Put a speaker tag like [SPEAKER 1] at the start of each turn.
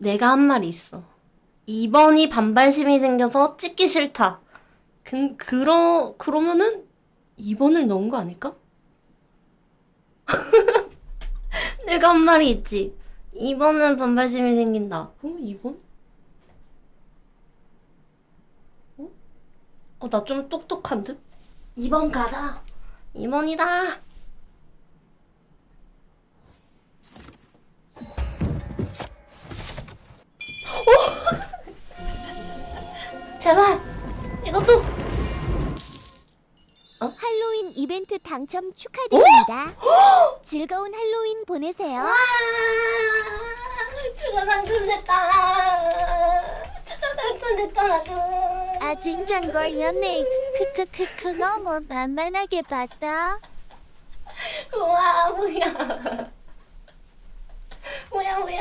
[SPEAKER 1] 내가 한 말이 있어. 2번이 반발심이 생겨서 찍기 싫다. 그러면은 2번을 넣은 거 아닐까? 내가 한 말이 있지. 2번은 반발심이 생긴다. 그럼 2번? 나 좀 똑똑한 듯? 2번 가자. 2번이다. 제발 이것도.
[SPEAKER 2] 할로윈 이벤트 당첨 축하드립니다. 즐거운 할로윈 보내세요.
[SPEAKER 1] 와, 추가 당첨됐다. 추가 당첨됐다 나도.
[SPEAKER 2] 아 진짠 걸렸네. 크크크크 너무 만만하게 봤다.
[SPEAKER 1] 우와 뭐야. 뭐야.